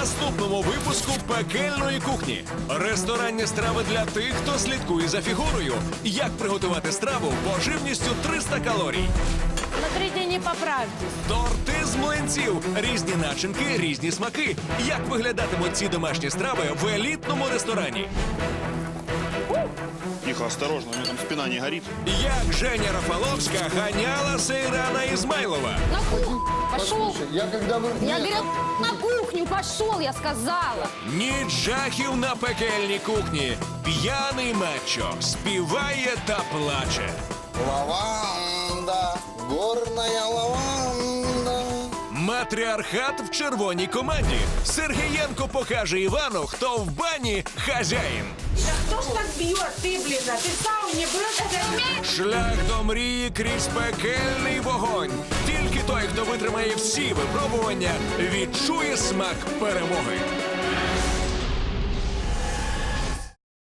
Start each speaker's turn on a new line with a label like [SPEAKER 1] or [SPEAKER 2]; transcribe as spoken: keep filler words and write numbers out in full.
[SPEAKER 1] наступному випуску пекельної кухні. Ресторанні страви для тих, хто слідкує за фігурою. Як приготувати страву поживністю триста калорій.
[SPEAKER 2] Смотрите, не поправьтесь.
[SPEAKER 1] Торти з млинців. Різні начинки, різні смаки. Як виглядатимуть ці домашні страви в елітному ресторані?
[SPEAKER 3] Тихо, осторожно, у меня там спина не горит.
[SPEAKER 1] Як Женя Рафаловська ганяла Сейрана Ізмайлова.
[SPEAKER 4] На кухню пошел.
[SPEAKER 5] Послушай, я когда вы...
[SPEAKER 4] Я
[SPEAKER 5] Нет,
[SPEAKER 4] говорю, на кухню пошел, я сказала.
[SPEAKER 1] Ніч жахів на пекельній кухні. П'яний мачо співає та плаче.
[SPEAKER 5] Лаванда, горная лаванда.
[SPEAKER 1] Матріархат в червоній команді. Сергієнко покаже Івану, хто в бані хазяїн.
[SPEAKER 2] Да кто ж так бьет, ты, блин, а ты в сауне был?
[SPEAKER 1] Шлях до мрії крізь пекельний вогонь. Тільки той, хто витримає всі випробування, відчує смак перемоги.